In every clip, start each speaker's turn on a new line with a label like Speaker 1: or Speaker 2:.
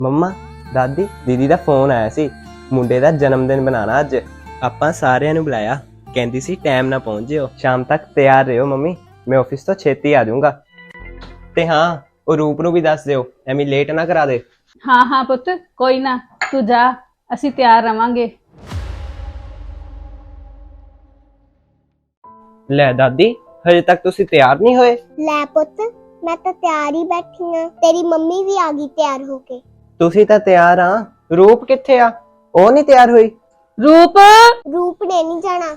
Speaker 1: ਮੰਮਾ, ਦਾਦੀ, ਦੀਦੀ ਦਾ ਫੋਨ ਆਇਆ ਸੀ। ਮੁੰਡੇ ਦਾ ਜਨਮ ਦਿਨ ਮਨਾਉਣਾ ਅੱਜ। ਆਪਾਂ ਸਾਰਿਆਂ ਨੂੰ ਬੁਲਾਇਆ। ਕਹਿੰਦੀ ਸੀ ਟਾਈਮ ਨਾਲ ਪਹੁੰਚ ਜਿਓ, ਸ਼ਾਮ ਤੱਕ ਤਿਆਰ ਰਹੋ ਮੰਮੀ, ਮੈਂ ਆਫਿਸ ਤੋਂ ਛੇਤੀ ਆ ਜਾਊਂਗਾ। ਤੇ ਹਾਂ, ਉਹ ਰੂਪ ਨੂੰ ਵੀ ਦੱਸ ਦਿਓ, ਐਵੇਂ ਲੇਟ ਨਾ ਕਰਾ ਦੇ।
Speaker 2: ਹਾਂ ਹਾਂ ਪੁੱਤ, ਕੋਈ ਨਾ, ਤੂੰ ਜਾ, ਅਸੀਂ ਤਿਆਰ ਰਵਾਂਗੇ।
Speaker 1: ਲੈ ਦਾਦੀ, ਹਜੇ ਤੱਕ ਤੁਸੀਂ ਤਿਆਰ ਨਹੀਂ ਹੋਏ?
Speaker 3: ਲੈ ਪੁੱਤ, ਮੈਂ ਤਾਂ ਤਿਆਰ ਹੀ ਬੈਠੀ ਆ। ਤੇਰੀ ਮੰਮੀ ਵੀ ਆ ਗਈ ਤਿਆਰ ਹੋ ਕੇ।
Speaker 1: ਤੁਸੀਂ ਤਾਂ ਤਿਆਰ ਆ, ਰੂਪ ਕਿੱਥੇ ਆ? ਉਹ ਨਹੀਂ ਤਿਆਰ ਹੋਈ?
Speaker 2: ਰੂਪ,
Speaker 3: ਰੂਪ ਨੇ ਨਹੀਂ ਜਾਣਾ।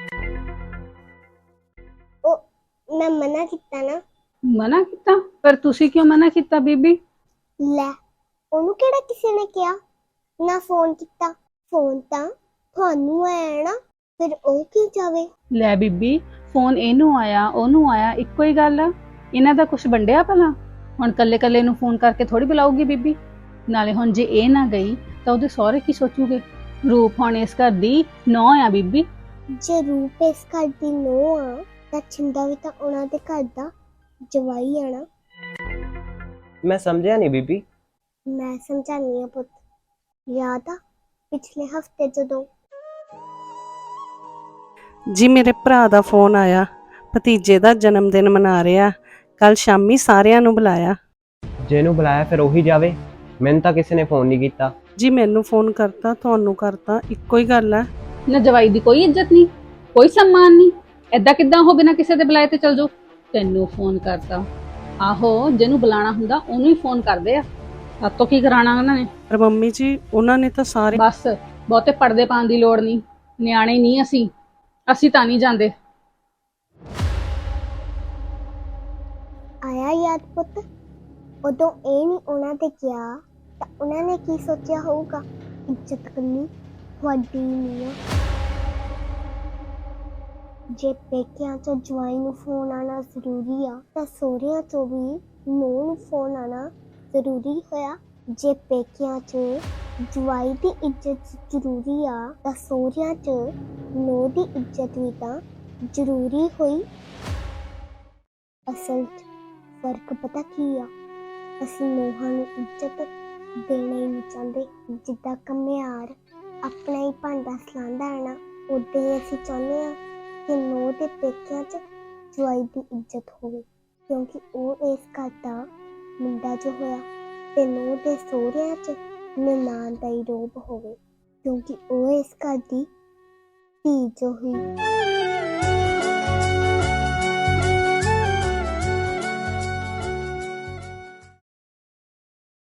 Speaker 3: ਉਹ ਮੈਂ ਮਨਾ ਕੀਤਾ ਨਾ।
Speaker 2: ਮਨਾ ਕੀਤਾ? ਪਰ ਤੁਸੀਂ ਕਿਉਂ ਮਨਾ ਕੀਤਾ ਬੀਬੀ?
Speaker 3: ਲੈ, ਉਹਨੂੰ ਕਿਹੜਾ ਕਿਸੇ ਨੇ ਕਿਹਾ ਨਾ ਫੋਨ ਕੀਤਾ। ਫੋਨ ਤਾਂ ਤੁਹਾਨੂੰ ਆਇਆ ਨਾ, ਫਿਰ ਉਹ ਕਿਉਂ ਜਾਵੇ?
Speaker 2: ਲੈ ਬੀਬੀ, ਫੋਨ ਇਹਨੂੰ ਆਇਆ ਉਹਨੂੰ ਆਇਆ, ਇੱਕੋ ਹੀ ਗੱਲ ਆ। ਇਹਨਾਂ ਦਾ ਕੁਝ ਵੰਡਿਆ ਭਲਾ? ਹੁਣ ਕੱਲੇ ਕੱਲੇ ਨੂੰ ਫੋਨ ਕਰਕੇ ਥੋੜੀ ਬੁਲਾਊਗੀ ਬੀਬੀ। ਨਾਲੇ ਹੁਣ ਜੇ ਇਹ ਨਾ ਗਈ ਤਾਂ ਉਹਦੇ ਸਹੁਰੇ ਕੀ ਸੋਚੂਗੇ? ਰੂਪ ਹੁਣ ਇਸ ਘਰ ਦੀ ਨੌਂ ਆ ਬੀਬੀ।
Speaker 3: ਜੇ ਰੂਪ ਇਸ ਘਰ ਦੀ ਨੂੰਹ ਆ ਤਾਂ ਛਿੰਦਾ ਵੀ ਤਾਂ ਉਹਨਾਂ ਦੇ ਘਰ ਦਾ ਜਵਾਈ ਆ ਨਾ।
Speaker 1: ਮੈਂ ਸਮਝਿਆ ਨਹੀਂ ਬੀਬੀ।
Speaker 3: ਮੈਂ ਸਮਝਾਨੀ ਆ ਪੁੱਤ। ਯਾਦ ਆ ਪਿਛਲੇ ਹਫਤੇ ਜਦੋਂ
Speaker 4: ਜੀ ਮੇਰੇ ਭਰਾ ਦਾ ਫੋਨ ਆਇਆ, ਭਤੀਜੇ ਦਾ ਜਨਮ ਦਿਨ ਮਨਾ ਰਿਹਾ। ਕੱਲ ਸ਼ਾਮੀ ਸਾਰਿਆਂ ਨੂੰ ਬੁਲਾਇਆ।
Speaker 1: ਜਿਹਨੂੰ ਬੁਲਾਇਆ ਫਿਰ ਉਹੀ ਜਾਵੇ। ਮੈਨੂੰ ਤਾਂ ਕਿਸੇ ਨੇ ਫੋਨ ਨਹੀਂ ਕੀਤਾ।
Speaker 4: ਜੀ ਮੈਨੂੰ ਫੋਨ ਕਰਤਾ, ਤੁਹਾਨੂੰ ਕਰਤਾ, ਇੱਕੋ ਹੀ ਗੱਲ ਹੈ।
Speaker 2: ਨਾ ਜਵਾਈ ਦੀ ਕੋਈ ਇੱਜ਼ਤ ਨਹੀਂ, ਕੋਈ ਸਨਮਾਨ ਨਹੀਂ। ਐਦਾਂ ਕਿੱਦਾਂ ਉਹ ਬਿਨਾਂ ਕਿਸੇ ਦੇ ਬੁਲਾਏ ਤੇ ਚਲ ਜਾਓ? ਤੈਨੂੰ ਫੋਨ ਕਰਤਾ? ਆਹੋ, ਜਿਹਨੂੰ ਬੁਲਾਣਾ ਹੁੰਦਾ ਉਹਨੂੰ ਹੀ ਫੋਨ ਕਰਦੇ ਆ। ਸਾਤੋਂ ਕੀ ਕਰਾਣਾ ਉਹਨਾਂ ਨੇ?
Speaker 4: ਪਰ ਮੰਮੀ ਜੀ, ਉਹਨਾਂ ਨੇ ਤਾਂ ਸਾਰੇ
Speaker 2: ਬਸ, ਬਹੁਤੇ ਪਰਦੇ ਪਾਉਣ ਦੀ ਲੋੜ ਨਹੀਂ। ਨਿਆਣੇ ਨਹੀਂ ਅਸੀਂ ਤਾਂ ਨਹੀਂ ਜਾਂਦੇ।
Speaker 3: ਆਇਆ ਯਾਦ ਪੁੱਤ, ਉਦੋਂ ਇਹ ਨਹੀਂ ਉਹਨਾਂ ਤੇ ਕਿਹਾ ਤਾਂ ਉਹਨਾਂ ਨੇ ਕੀ ਸੋਚਿਆ ਹੋਊਗਾ? ਇੱਜ਼ਤ ਕਰਨੀ ਤੁਹਾਡੀ ਨਹੀਂ ਆ। ਜੇ ਪੇਕਿਆਂ ਤੋਂ ਜਵਾਈ ਨੂੰ ਫੋਨ ਆਣਾ ਜ਼ਰੂਰੀ ਆ ਤਾਂ ਸਹੁਰਿਆਂ ਤੋਂ ਵੀ ਨੂੰਹ ਨੂੰ ਫੋਨ ਆਣਾ ਜ਼ਰੂਰੀ ਹੋਇਆ। ਜੇ ਪੇਕਿਆਂ 'ਚ ਜਵਾਈ ਦੀ ਇੱਜ਼ਤ ਜ਼ਰੂਰੀ ਆ ਤਾਂ ਸਹੁਰਿਆਂ 'ਚ ਨੂੰਹ ਦੀ ਇੱਜ਼ਤ ਵੀ ਤਾਂ ਜ਼ਰੂਰੀ ਹੋਈ। ਅਸਲ 'ਚ ਫਰਕ ਪਤਾ ਕੀ ਆ? ਅਸੀਂ ਨੂੰਹਾਂ ਨੂੰ ਇੱਜ਼ਤ ਦੇਣਾ ਹੀ ਨਹੀਂ ਚਾਹੁੰਦੇ। ਜਿੱਦਾਂ ਘੁਮਿਆਰ ਆਪਣਾ ਹੀ ਭਾਂਡਾ ਸਲਾਂਦਾ ਹੈ ਨਾ, ਉਦਾਂ ਹੀ ਅਸੀਂ ਚਾਹੁੰਦੇ ਹਾਂ ਕਿ ਨੂੰਹ ਦੇ ਪੇਕਿਆਂ 'ਚ ਜਵਾਈ ਦੀ ਇੱਜ਼ਤ ਹੋਵੇ, ਕਿਉਂਕਿ ਉਹ ਇਸ ਘਰ ਦਾ ਮੁੰਡਾ ਜੋ ਹੋਇਆ, ਤੇ ਨੂੰਹ ਦੇ ਸਹੁਰਿਆਂ 'ਚ ਨਨਾਣ ਦਾ ਹੀ ਰੋਬ ਹੋਵੇ, ਕਿਉਂਕਿ ਉਹ ਇਸ ਘਰ ਦੀ ਧੀ ਜੋ ਹੋਈ।